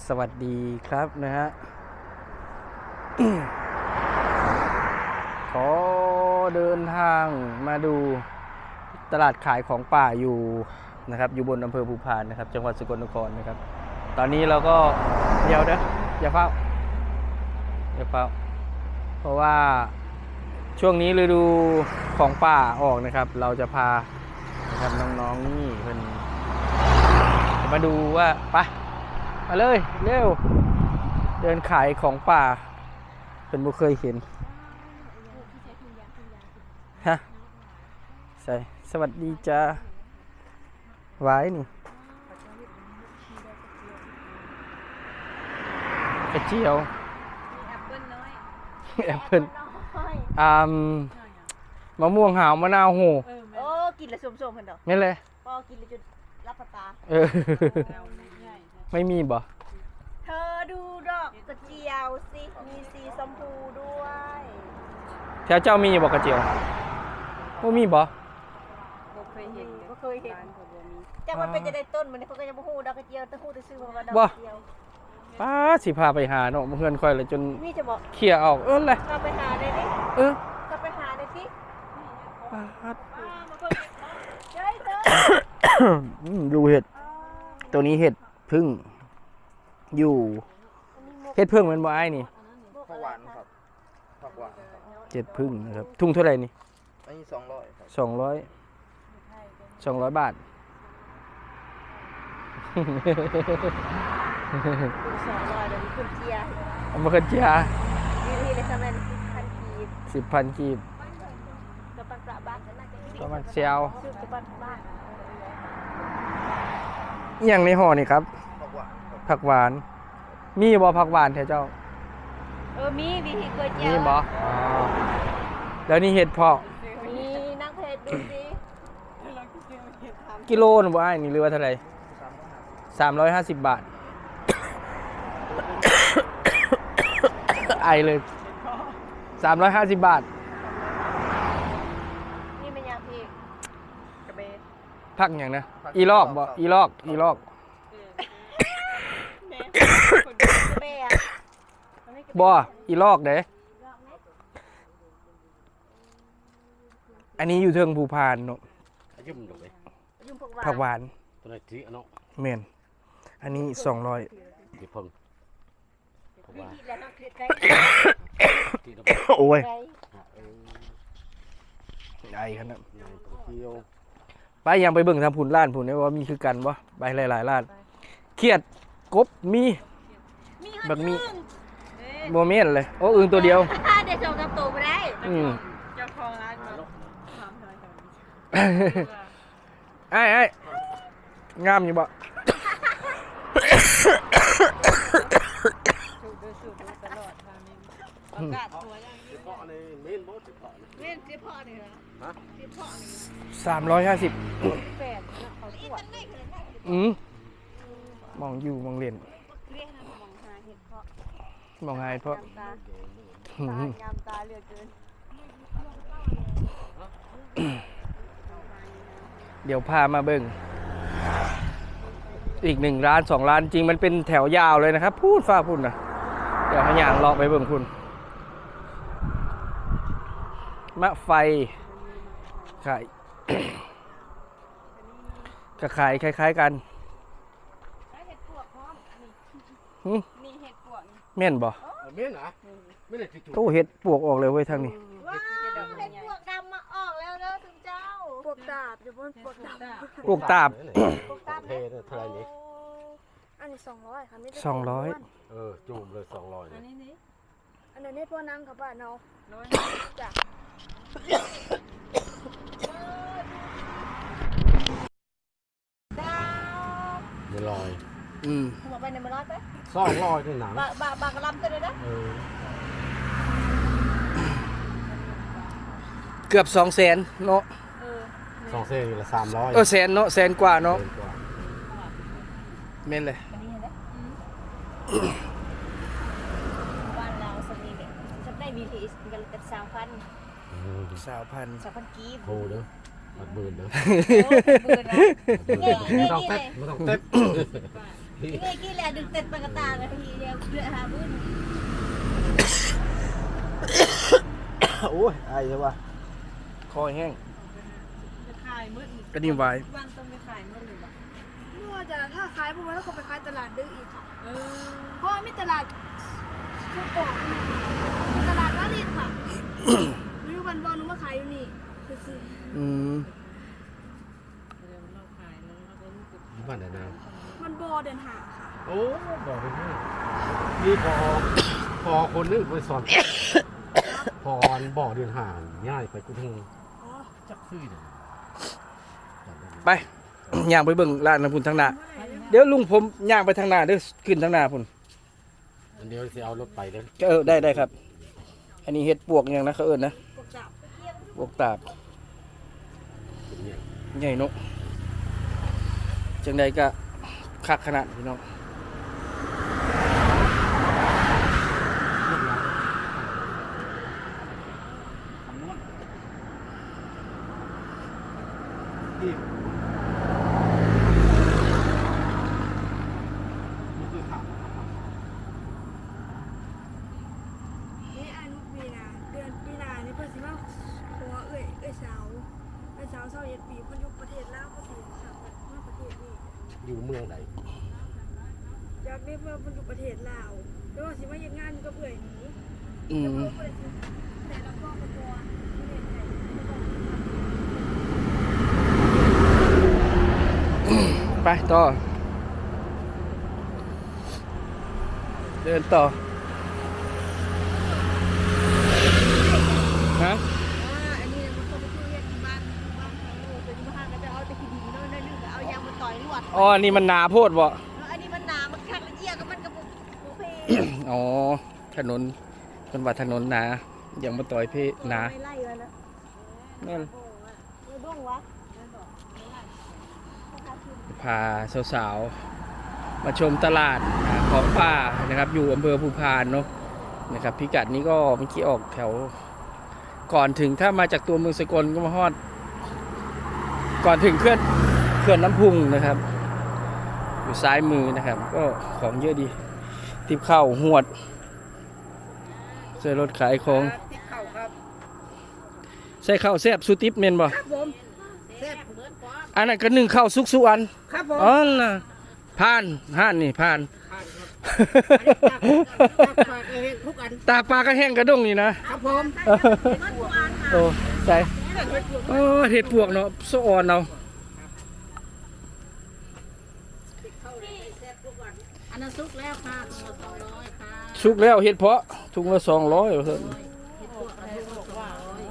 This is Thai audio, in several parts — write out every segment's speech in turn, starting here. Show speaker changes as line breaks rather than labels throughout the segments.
สวัสดีครับนะฮะ ขอเดินทางมาดูตลาดขายของป่าอยู่นะครับอยู่บนอำเภอภูพานนะครับจังหวัดสกลนครนะครับตอนนี้เราก็เดี๋ยวนะอย่าเฝ้าเพราะว่าช่วงนี้ฤดูของป่าออกนะครับเราจะพานะครับน้องๆนี่เพิ่นมาดูว่าไปมาเลยเร็วเดินขายของป่าเป็นบ่เคยเห็นฮะใส่สวัสดีจ้าไว้นี่กระเจียว
แอปเปิ้ลน้อย
แอปเปิ้ลมะม่วงหาวมะนาวโห
โอ้กินแล้วส้มๆเพิ่นดอก
ไม่เลย
พอกินแล้วจนรับประตา
ไม่มีบ่
เธอดูดอกกระเจียวสิมีสีชมพูด้วย
แถวเจ้ามีบ่กระเจียวบ่มีบ่
บ่เคยเห็นแต่มันเป็นจะได้ต้นมันเขาก็จะบ่ฮู้ดอกกระเจียวแต่ฮู้แต่ชื่อว่าดอกกระเจียว
ป้าสิพาไปหาเนาะเพื่อนค่อยเลยจน
นี่จะบอก
เคลียร์ออกเลย
เราไปหาได้ดิ
เออ
เราไปหาได้สิ
ป้าด
มาคนเฮ้ยเธอ
ดูเห็ดตัวนี้เห็ดพึ่งอยู่เห็ดพึ่งมันบ่อ้ายนี่
ผักหวานครับผักหวานครับ
เห็ดพึ่งนะครับทุ่งเท่าไหร่นี่
อันนี้200ครับ
200 บาท
200เดี๋ยวมีคุณเจีย
เอามาขึ้นเจีย
นี่เลยสำเร็จ10,000 กีบ
10,000 กีบ
กับปันประบ้านน่าจะ
ประมาณเซียว
ซื้อกับปันบ้าน
อหย่างในห่อนี่ครับ
ผักหวานครับ
ผักหวาน มีบ่ผักหวานแท้เจ้า
มีวิธีเกลือเจีย
มี
ว
บ่แล้วนี่เห็ดเพาะ
มีนั่งเพจดูสิ
กิโลนึงบ่อ้ายนี่เรือว่าเท่าไหร่350 บาท ไอเลย350 บาท
นี่มันยังพี่กระเบน
พักอย่างนะอีลอกบ่อีลอก
กระเบน
บ่อีลอกเด้อันนี้อยู่เทิงภูพานเนาะ
ยุ่มดอกเลย
ยุ่งพวก
ผักหวาน
ตัวไหนที่เนาะ
แม่นอันนี้200
ที่เพิ่งผักหวาน
ที่แล้วต้องคลิกไก
ที่เรา
โอ้ย
ไก
ไอขนาด
ในตัวเที่ยว
ไปยังไปเบิ่งทำผุนล้านผุนได้ว่ามีคือกันบ่ไปหลายๆล้านเขียดกบมี
มี
แบบมีบ่แม่นเลยโอ้อึ่งตัวเดียว
เดี๋ยวส่งกับตัวไปได้
เจ้าของร้านมาถามทำไม
ไอ้งามอยู่บ่
สูบดูตลอดทางนี้ประกาศตัวอย่างนี้
เพาะในเมนบ่สิเพาะ
เล่นเจ๊พ่อนี่นะ
ฮะ
เจ๊พ่อนี่นะ
350
แฟนเขาตรวจ
มองอยู่มองเล่น
เรียกนะมองหาเห็ดเพาะ
มองหายเพราะ
ตายามตาเหลือเกิน
เดี๋ยวพามาเบิ่งอีก1 ร้าน 2 ร้านจริงมันเป็นแถวยาวเลยนะครับพูดฟ้าพูดนะเดี๋ยวให้ย่างเลาะไปเบิ่งคุณมะไฟขาย ก็ขายคล้ายๆกัน
เห็ดปวกพร้อม
หึ
นี่เห็ดปวกนี่
แม่นบ่
เมนนะไม่ได้ที่ถูก
โตเฮ็ดปวกออกเลยเว้ยทางนี้
ว้าวเห็ดพวกดำมาออกแล้วเด้อถึงเจ้าพวกดาบอยู่บนพวกดาบ
ปวกตาบ
พวกดาบ
เทเท่าไหร่นี่
อันนี้200ค่ะไม่ได้
200
จุ่มเลย200
อันนี้นี่
อันนี้พ่อนั่งกับบ้านเนาะ
ร้อย
จ้ะ
ไม่ลอย
หัวไปในมันร้อยไป
200นี่หนัง
บางกระลำตัวเลยนะ
เกือบ200,000เนาะ
2เส้นละ300
แสนเนาะแสนกว่าเนาะแม่นเลย
อันนี้เห็นไหมบ้านเราสมีเนี่ยจะได้ BTS กันแต่3,000
3,000
กีบ
โหเด้อบัดหมื่นเด้อ
โอ้เป็นหมื่นนะ
ไม่ต้องเต็บพี่
นี่กี่แหละดึกเต็ดปากกาตาเลยทีเดียวเดือดหาบุญ
โอ้ยไอ้ใช่ปะ
คอแห้ง
จะขายมืด
กระดิ่งไว้
วันต้องไปขายมืดเลยบ่
ไม่ว่าจะถ้าขายพวกนั้นก็ไปขายตลาดดื้ออีกค่ะ
เออ
เพราะมีตลาดชุกโป่งมีตลาดวารินค่ะไม่รู้วันบอลหนูมาขายอยู่นี่ซื้อ
อืม
เดี๋ยวเราขายแล้วเราก็รู้สึก
ที่บ้านไหนนะ
ๆวันบอเดินหาค่ะ
โอ้บอกไปให้นี่พอคนนึงไปสอนพอบอกเดินห่างง่ายไปกูทั้ง
อ๋อ
จักซื้อเลย
ไป ย่างไปเบิ่งร้านน้ำพุ่นทางหน้าเดี๋ยวลุงผมย่างไปทางหน้าเด้อขึ้นทางหน้าพุ่น
อันเดียวจะเอารถไปเลย
ได้ครับ อันนี้เห็ดปวกอย่างนะเขาเอิ้นนะ
กบจับ
ปวกตาบ
เป็นเนี่ย
ใหญ่เนกจังใดก็คักขนาดพี่น้อง
ที่นี่คือข่าว
นี่อานุปีนาเดือนปีนานี่เพิ่นสิมาหัวเอ้ยสาว21 ปีเพิ่นอยู่ประเทศลาวก็สิค่ะมาประเทศนี้
อยู่เมืองไหน
อยากได้เพิ่นอยู่ประเทศลาวแล้วว่าสิมาเฮ็ดงานอยู่กับเอื้อยหนู
อืม
แต่ละพ่อก็ตัวประเทศไทย
ไปต่อ เดินต่อ ฮะ
อันนี้มันก็ไปช่วยเรียกที่บ้านเขาเป็นบ้านก็จะเอาแต่ขี้ดีน้อยนึงก็เอายางมาต่อยลวด
อ๋อ นี่มันหนาโพดบ่
อันนี้มันหนามันคักละเอียดก็มันกระปุกเพ
อ๋อ ถนนเป็นว่าถนนหนาอย่างมาต่อยเพหนา
ไม่ไล่มันนะ
แม่น
ไม่บ้งวะ
พาสาวๆ มาชมตลาดของป่านะครับ อยู่อำเภอภูพานเนาะนะครับ พิกัดนี้ก็เมื่อกี้ออกแถว ก่อนถึงถ้ามาจากตัวเมืองสกลก็มาฮอด ก่อนถึงเขื่อนน้ำพุงนะครับ อยู่ซ้ายมือนะครับ ก็ของเยอะดีติบข้าวหวดใส่รถขายของ
ติดเข่าครับ
ใส่ข้าวแซ่บสุติบเมนบ่
ครับผมแซ่บเบิร์ดปอม
อันนั้นก็นึ่งข้าวสุกสุอัน
ครับผม
อ๋อน่ะผ่านห่านนี่ผ่าน
ทุกอัน
ตาปลากระแห้งกระด้งนี่นะครับ
ผม
โอ้ใส่โอ้เห็ดปวกเนาะสะอ่อนเนาะ
อันนั้นซุกแล้วค่ะถุงละ200ค่ะ
สุกแล้วเห็ดเพาะถุงละ200เพิ่น
เห็ดพวกอะไรบอกว่าง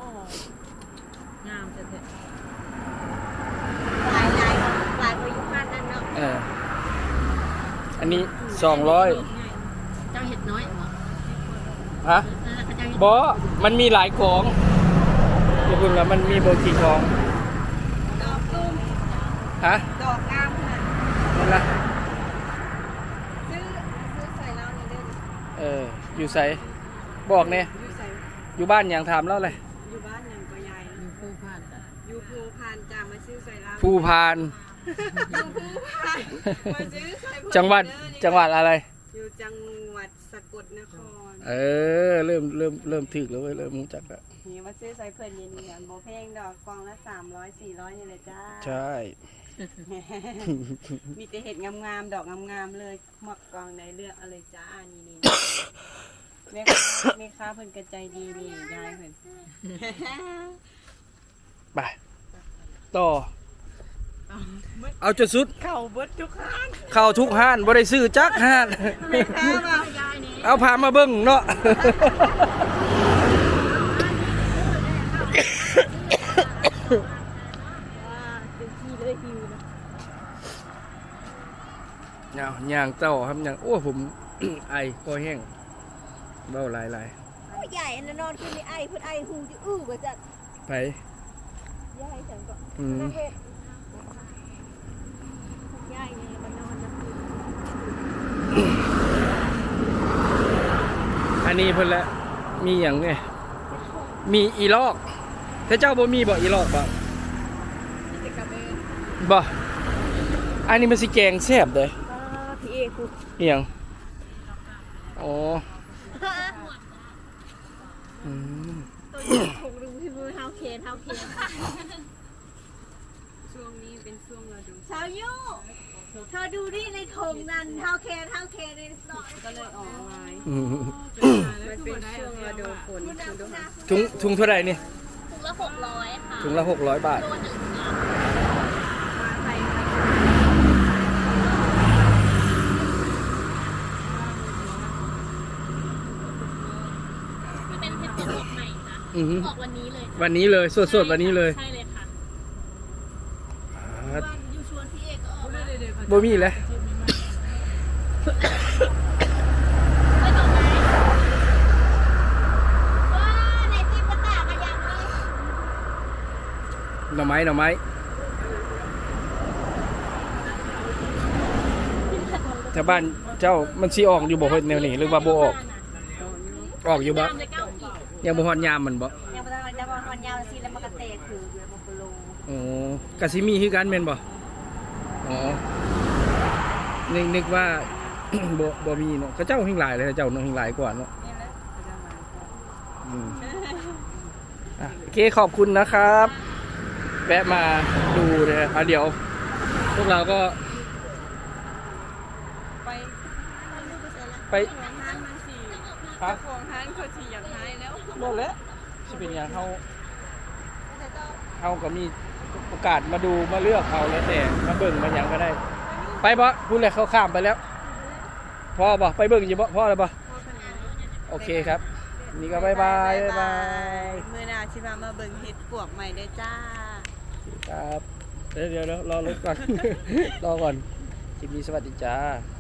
ามจะเถอะ
หลายกว่าอยู่บ้านนั่นเนาะ
อันนี้200
เจ้าเห็ดน้อยเหรอ
ฮะ
เจ้าเห็ด
บ่มันมีหลายของเดี๋ยวเพิ่นว่ามันมีบ่กี่ของ
ดอกตุ้ม
ฮะ
ดอกงามค่ะ
นั่นล่ะ
ซื้อใส่เราเนี่ยเด้อ
อยู่ไสบอกแน่
อยู่ใส่
อยู่บ้านหยังถามแล้วเลย
อยู่บ้านยังก็ใหญ่
อยู่ผู้ผ่านจ้ะ
อยู่ภูพานจะมาซื้อใส่เรา
ภูพาน
อยู่ภูพานมาซื้อใส่
จังหวัดอะไร
อยู่จังหวัดสกลนคร
เริ่มถึกแล้วเว้ยเริ่มรู้จักแล้ว
นี่มาซื้อใส่เพื่อนยินดีกันโบเพลงดอกกองละ300 400นี่เลยจ้า
ใช่
มีแต่เห็ดงามๆดอกงามๆเลยหมักกองในเลือกอะไรจ้านี่แม่ค้าเพิ่นกระใจดีนี่ยายเพิ่น
ไปต่อเอาจนสุด
เข้าเบิดทุกครั้ง
เข้าทุกห้านบ่ได้ซื้อจักห้าน
แม่ค้ามา
เอาพามาเบิ่งเนาะ
เป็นที่เลยหิวนะ
ย่างเต้าครับย่างโอ้ผม ไอคอแห้งเบ้าหลาย
โอ้ใหญ่อันนั้นนอนขึ้นในไอเพิ่นไอหูจะกว่าจะ
ๆไป
ยายจังก็
อืม
น่าเฮ็ดยายนี่มันนอนนะ
อันนี้เพิ่นละมีหยังไงมีอีลอกแต่เจ้าบ่มีบ่อีลอกบ่
นี่จะกลับเอง
บ่อันนี้มันสิแกงแซ่บเด้
พี่เอ
กู
เอียงอ๋ออืม
ถูกดูที่มือเท้าเคน
ช่วงนี้เป็นช่วงฤดู
สาวยูเธอดูดิในถุงนั่นเท้าเคนในซอย
ก็เลยออกไม้
อืม
มันเป็นช่วงฤดูฝนฤดูหา
ถุงเท่าไหร่นี่
ถุงละ600ค่ะ
ถุงละ600 บาท
ตัวหนึ่ง
มาไทย
มันเป็นเพชรสดใหม่จ้ะ
อือหือ
ออกวันนี้เลย
วันนี้เลยสดๆวันนี้เลย
ใช่เลยค่ะ
อ่า
วันยูชวนพี่เอกก็ออกมา
บ่มีแล้ว
ไม่ตกไหมว้าในที่ประกาศกันยังเลย
หน่อไม้แถวบ้านเจ้ามันสิออกอยู่บ่เพิ่นแนวนี้หรือว่าบ่ออกออกอยู่บ่
ตามเลย9ขีด
ยังบ่ฮอดยามมันบ่
ยังไม่ได้วันยาวสิแล้วมันก็เตะคือเดือนมกราคม
อ๋อก็สิมีคือกันแม่นบ่อ๋อนึกว่า บ่มีเนาะเขาเจ้าหิ้งหลายเลยเขาเจ้าเนาะหิ้งหลายกว่าเนาะ
นี่แหละก็จะมาก่อน
อืมอ่ะโอเคขอบคุณนะครับ แวะมาดูนะฮะเดี๋ยว พวกเราก็
ไป
ไป
ของห้างมันสี่
ครับ
ของห้างเขาสี่อยากหายแล้ว
หมดแล้วสิเป็นอย่างเขาก็มีโอกาสมาดูมาเลือกเอาแล้วแต่มาเบิ่งมาอย่างก็ได้ ไปบ่พูดเลยเขาข้ามไปแล้วพ่อบ่ไปเบิ่งอยู่บ่พ่อเลยบ่โอเคครับ นี่ก็บายบายบายบาย
มือหนาชิมาเบิ่งเห็ดปวกใหม่ได้จ้า
ครับเดี๋ยวรอรถก่อน รอก่อนคลิปนี้สวัสดีจ้า